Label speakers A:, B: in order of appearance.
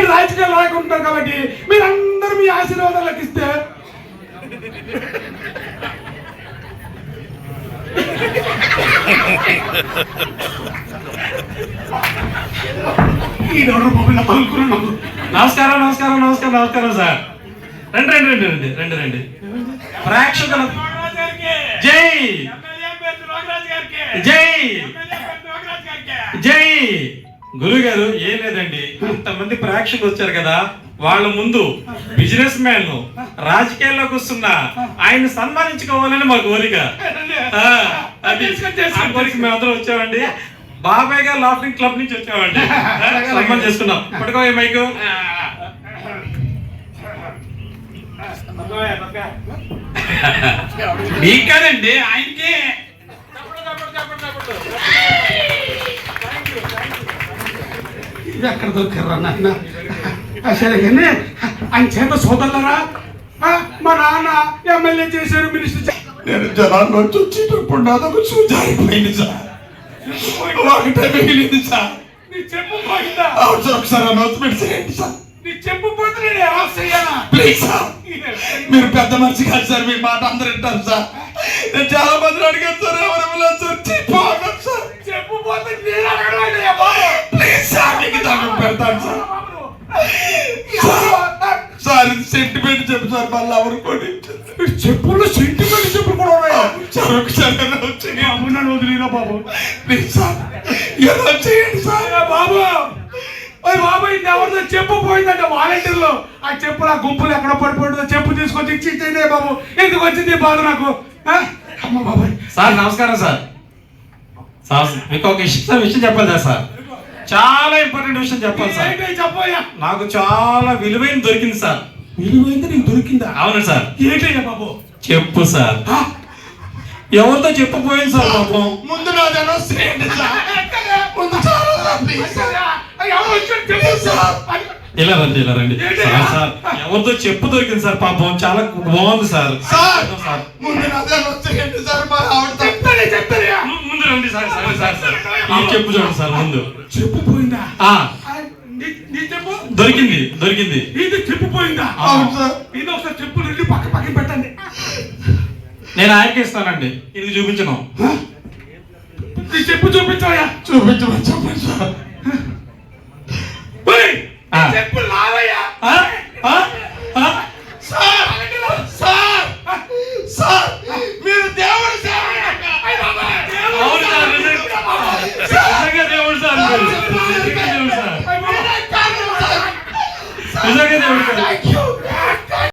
A: రాజకీయాలు రాకుంటున్నారు కాబట్టి మీరందరూ మీ ఆశీర్వాదాలకు ఇస్తే
B: నమస్కారం నమస్కారం నమస్కారం నమస్కారం సార్. రండి రండి రండి రండి రండి ప్రేక్షకుల జై జై జై. గురువు గారు ఏం లేదండి, ఇంతమంది ప్రేక్షకులు వచ్చారు కదా, వాళ్ళ ముందు బిజినెస్ మ్యాన్ రాజకీయాల్లోకి వస్తున్న ఆయన సన్మానించుకోవాలని మా కోరిక. అది ఆ కోరిక మేమందరం వచ్చామండి. బాబాయ్ గారు లాఫింగ్ క్లబ్ నుంచి వచ్చామండి, సన్మానం చేసుకున్నాం. పట్టుకోవే మైకు.
A: మీకు కాదండి, ఆయనకి. ఇది ఎక్కడ దొరికారా నాన్న? సరే కానీ ఆయన చేత సోదరులరా, మా నాన్న ఎమ్మెల్యే చేశారు, మినిస్టర్.
C: నేను జనాల్లోంచి వచ్చేటప్పుడు నాదొక చూజారిపోయింది సార్, ఒకటే మిగిలింది సార్.
A: నీ చెప్పు పోయిందా?
C: అవును సార్, ఒకసారి అనౌన్స్మెంట్ చేయండి సార్.
A: నీ చెప్పు పోతే నేను ఎలా చెయ్యాలా?
C: ప్లీజ్ సార్, మీరు పెద్ద మనిషి కాదు సార్, మీ మాట అందరూ వింటారు సార్. నేను చాలా మంది అడిగాను సార్, ఎవరెవరో సార్ చెప్పాను సార్.
A: చెప్పు పోతే నేను అడగలేదయ్యా బాబు.
C: ప్లీజ్ సార్, మీకు దండం పెడతాను సార్. సార్ ఇది సెంటిమెంట్ చెప్పు సార్, మళ్ళీ ఎవరు కొని
A: చెప్పులు సెంటిమెంట్ చెప్పులు కూడా ఉన్నాయా?
C: సార్ ఒకసారి అనౌన్స్ చేయండి.
A: నన్ను వదిలేదా బాబు?
C: ప్లీజ్ సార్, అనౌన్స్ చేయండి సార్.
A: బాబు బాబు ఇది ఎవరితో చెప్పు పోయిందంటే వాలంటీర్లు ఆ చెప్పులు ఆ గుంపులు ఎక్కడ పడిపోయిందో చెప్పు తీసుకొచ్చి ఇచ్చిందే బాబు. ఎందుకు వచ్చింది బాధ నాకు? అమ్మ బాబాయ్.
B: సార్ నమస్కారం సార్. సార్ మీకు ఒక విషయం చెప్పాలి సార్, చాలా ఇంపార్టెంట్ విషయం చెప్పాలి సార్.
A: చెప్పయ్యా.
B: నాకు చాలా విలువైన దొరికింది సార్.
A: విలువైంది నీకు దొరికిందా?
B: అవును సార్.
A: ఏంటయ్యా బాబు?
B: చెప్పు సార్. ఎవరితో చెప్పపోయింది సార్ పాపం.
C: ముందు నాది అనౌన్స్ చేయండి సార్. ముందు చాలా ప్లీజ్ సార్.
B: ఇలా రండి ఇలా రండి సార్. సార్ ఎవరితో చెప్పు దొరికింది సార్ పాపం, చాలా బాగుంది సార్.
C: సార్ ముందు నాది అనౌన్స్ చేయండి సార్. మా ఆవిడ
B: ముందు రండి సార్. సరే సార్ సార్ ఈ చెప్పు చూడండి సార్. ముందు
A: చెప్పు పోయిందా? నీ చెప్పు
B: దొరికింది దొరికింది.
A: ఇది చెప్పు పోయిందా?
C: అవును సార్.
A: ఇది ఒకసారి చెప్పు రెండు పక్క పక్కన పెట్టండి.
B: నేను ఆయనకి ఇస్తానండి, ఇది చూపించను.
A: నీ చెప్పు చూపించాయా?
C: చూపించమని చెప్పండి సార్.
A: చెప్పు లావయ్యా.
C: సార్ సార్ సార్ మీరు దేవుడు సార్.
B: అవును సార్, నిజంగా దేవుడు సార్, నిజంగా దేవుడు సార్.